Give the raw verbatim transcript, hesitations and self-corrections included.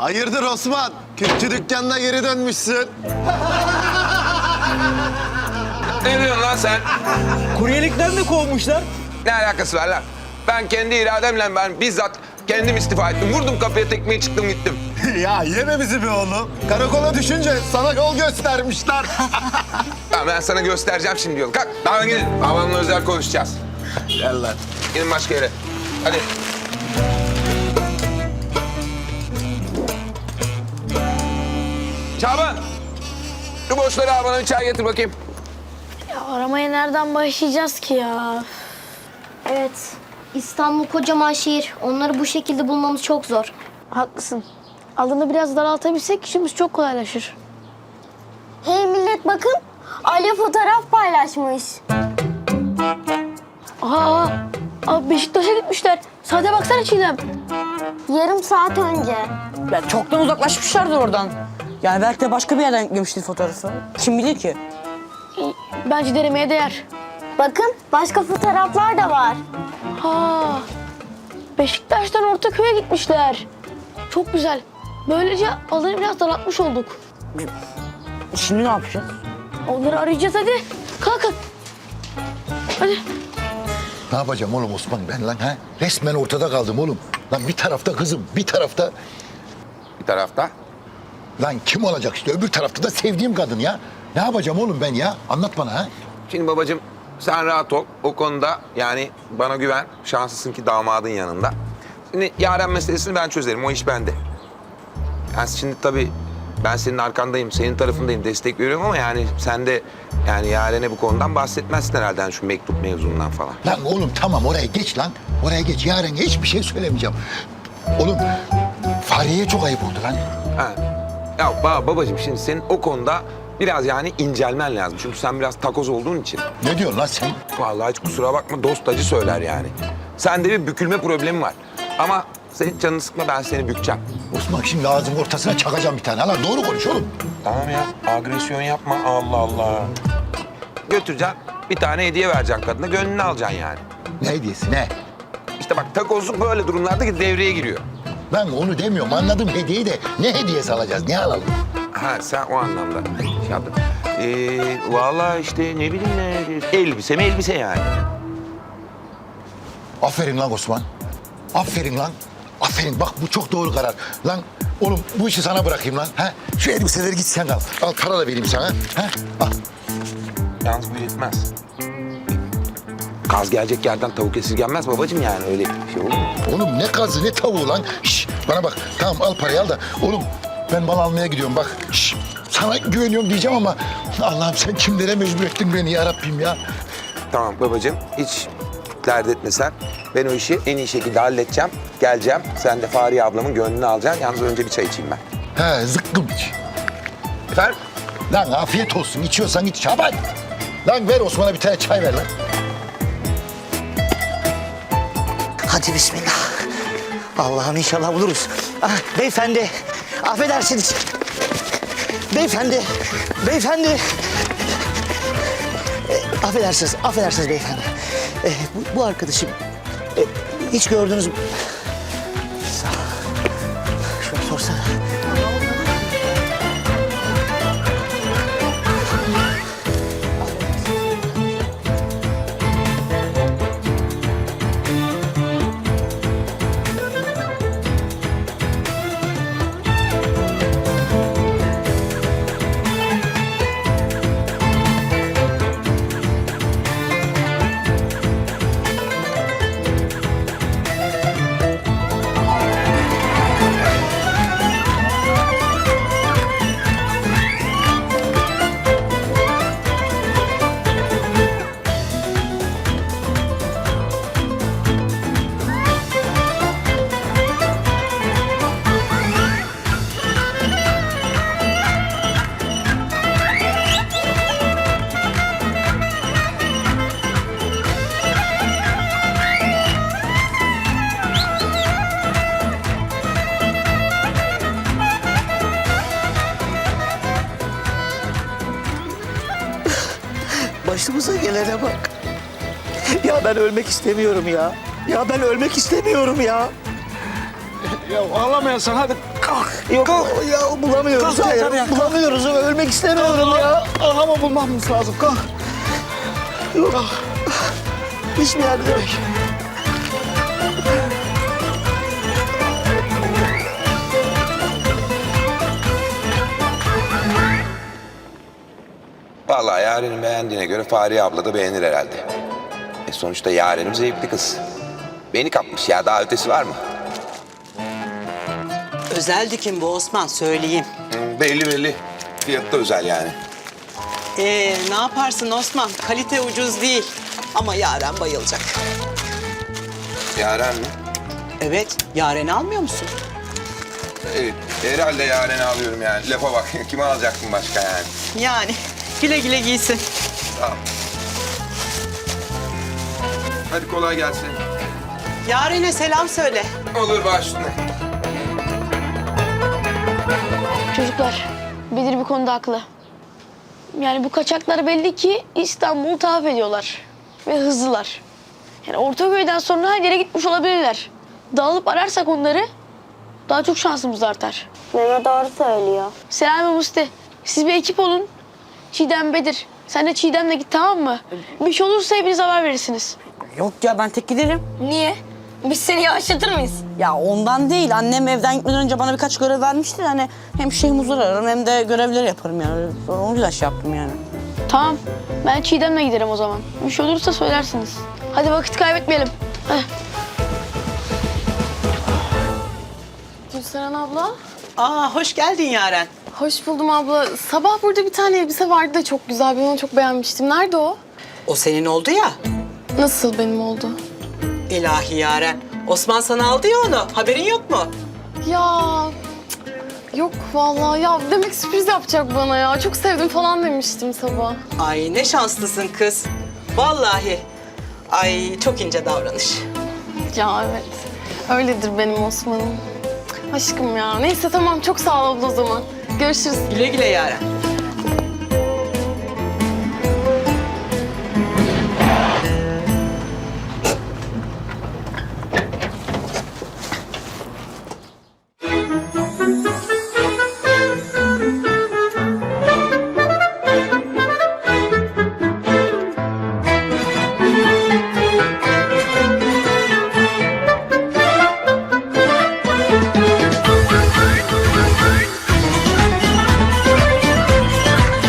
Hayırdır Osman? Kürkçü dükkanına geri dönmüşsün. Ne diyorsun lan sen? Kuryelikten mi kovmuşlar? Ne alakası var lan? Ben kendi irademle ben bizzat kendim istifa ettim. Vurdum kapıya tekmeyi çıktım gittim. Ya yeme bizi be oğlum. Karakola düşünce sana yol göstermişler. Ya ben sana göstereceğim şimdi yolu. Kalk daha gidin. Babamla özel konuşacağız. Gel lan. Gidin başka yere. Hadi. Çaban. Şu boşları al bana bir çay getir bakayım. Ya aramaya nereden başlayacağız ki ya? Evet. İstanbul kocaman şehir. Onları bu şekilde bulmamız çok zor. Haklısın. Alanı biraz daraltabilsek işimiz çok kolaylaşır. Hey millet bakın. Ali fotoğraf paylaşmış. Aa, aa Beşiktaş'a gitmişler. Saate baksana Çiğdem. Yarım saat önce. Ya çoktan uzaklaşmışlardır oradan. Yani belki de başka bir yerden yüklemiştir fotoğrafı. Kim bilir ki? Bence denemeye değer. Bakın başka fotoğraflar da var. Ha, Beşiktaş'tan Ortaköy'e gitmişler. Çok güzel. Böylece alanı biraz daraltmış olduk. Şimdi ne yapacağız? Onları arayacağız hadi. Kalkın. Hadi. Ne yapacağım oğlum Osman ben lan ha? Resmen ortada kaldım oğlum. Lan bir tarafta kızım, bir tarafta... Bir tarafta. Lan kim olacak işte öbür tarafta da sevdiğim kadın ya. Ne yapacağım oğlum ben ya? Anlat bana ha. Şimdi babacığım sen rahat ol. O konuda yani bana güven. Şanslısın ki damadın yanında. Şimdi Yaren meselesini ben çözerim. O iş bende. Yani şimdi tabii ben senin arkandayım, senin tarafındayım, destek veriyorum ama yani sen de yani Yaren'e bu konudan bahsetmezsin herhalde yani şu mektup mevzundan falan. Lan oğlum tamam oraya geç lan. Oraya geç. Yarın hiçbir şey söylemeyeceğim. Oğlum Fahriye'ye çok ayıp oldu lan. Ha. Ya ba babacığım şimdi senin o konuda biraz yani incelmen lazım. Çünkü sen biraz takoz olduğun için. Ne diyorsun lan sen? Vallahi hiç kusura bakma dost acı söyler yani. Sende bir bükülme problemi var. Ama senin canını sıkma ben seni bükeceğim. Osman şimdi ağzımın ortasına çakacağım bir tane. Lan doğru konuş oğlum. Tamam ya agresyon yapma Allah Allah. Götüreceksin bir tane hediye vereceksin kadına gönlünü alacaksın yani. Ne hediyesi ne? İşte bak takozluk böyle durumlarda ki devreye giriyor. Ben onu demiyorum anladım hediyeyi de ne hediyesi alacağız ne alalım? Ha sen o anlamda şey yaptın. Ee, vallahi işte ne bileyim ne elbise mi elbise yani. Aferin lan Osman. Aferin lan. Aferin bak bu çok doğru karar. Lan oğlum bu işi sana bırakayım lan. Ha? Şu elbiseleri git sen al. Al para da vereyim sana. Ha? Al. Yalnız bu yetmez. Kaz gelecek yerden tavuk esirgenmez babacığım yani öyle şey olur mu? Oğlum ne kazı ne tavuğu lan. Şş, bana bak tamam al parayı al da. Oğlum ben mal almaya gidiyorum bak. Şş, sana güveniyorum diyeceğim ama Allah'ım sen kimlere mecbur ettin beni ya Rabbim ya. Tamam babacığım hiç dert etme sen. Ben o işi en iyi şekilde halledeceğim. Geleceğim. Sen de Fahriye ablamın gönlünü alacaksın. Yalnız önce bir çay içeyim ben. He zıkkım iç. Efendim? Lan afiyet olsun içiyorsan iç Şaban. Lan ver Osman'a bir tane çay ver lan. Hadi bismillah. Allah'ım inşallah buluruz. Ah, beyefendi, affedersiniz. Beyefendi, beyefendi. E, affedersiniz, affedersiniz beyefendi. E, bu, bu arkadaşım e, hiç gördünüz mü? Sağ ol. Şöyle sorsana. Başımıza gelene bak. Ya ben ölmek istemiyorum ya. Ya ben ölmek istemiyorum ya. Ya ağlamayasan hadi Yok ya bulamıyoruz. Kalk, Hayır, kalk, kalk. bulamıyoruz. Ölmek istemiyorum ya. Ama bulmamız lazım. Kalk. Yok. Hiçbir yerde yok. Vallahi Yaren'in beğendiğine göre Fahriye abla da beğenir herhalde. E sonuçta Yaren'im zevkli kız. Beni kapmış ya, daha ötesi var mı? Özel dikim bu Osman, söyleyeyim. Hı, belli belli. Fiyatı da özel yani. Ee, ne yaparsın Osman? Kalite ucuz değil. Ama Yaren bayılacak. Yaren mi? Evet, Yaren'i almıyor musun? Evet, herhalde Yaren'i alıyorum yani. Lafa bak, kime alacaktım başka yani? Yani güle güle giysin. Tamam. Hadi kolay gelsin. Yaren'e selam söyle. Olur başına. Çocuklar, Bedir bir konuda haklı. Yani bu kaçaklar belli ki İstanbul'u tahaf ediyorlar. Ve hızlılar. Yani Ortaköy'den sonra her yere gitmiş olabilirler. Dağılıp ararsak onları daha çok şansımız artar. Mehmet doğru söylüyor. Selam ve Musti. Siz bir ekip olun. Çiğdem, Bedir. Sen de Çiğdem'le git, tamam mı? Bir şey olursa hepiniz haber verirsiniz. Yok ya, ben tek giderim. Niye? Biz seni yavaşlatır mıyız? Ya ondan değil. Annem evden gitmeden önce bana birkaç görev vermişti. Hani hem Şeyh Muzur ararım hem de görevleri yaparım yani. O yüzden şey yaptım yani. Tamam. Ben Çiğdem'le giderim o zaman. Bir şey olursa söylersiniz. Hadi vakit kaybetmeyelim. Heh. Gülseren abla. Aa, hoş geldin Yaren. Hoş buldum abla. Sabah burada bir tane elbise vardı da çok güzel. Ben onu çok beğenmiştim. Nerede o? O senin oldu ya. Nasıl benim oldu? İlahi Yaren. Osman sana aldı ya onu. Haberin yok mu? Ya cık, yok vallahi. Ya demek sürpriz yapacak bana ya. Çok sevdim falan demiştim sabah. Ay ne şanslısın kız. Vallahi. Ay çok ince davranış. Ya evet. Öyledir benim Osman'ım. Aşkım ya. Neyse tamam çok sağ ol abla o zaman. Görüşürüz. Güle güle Yaren.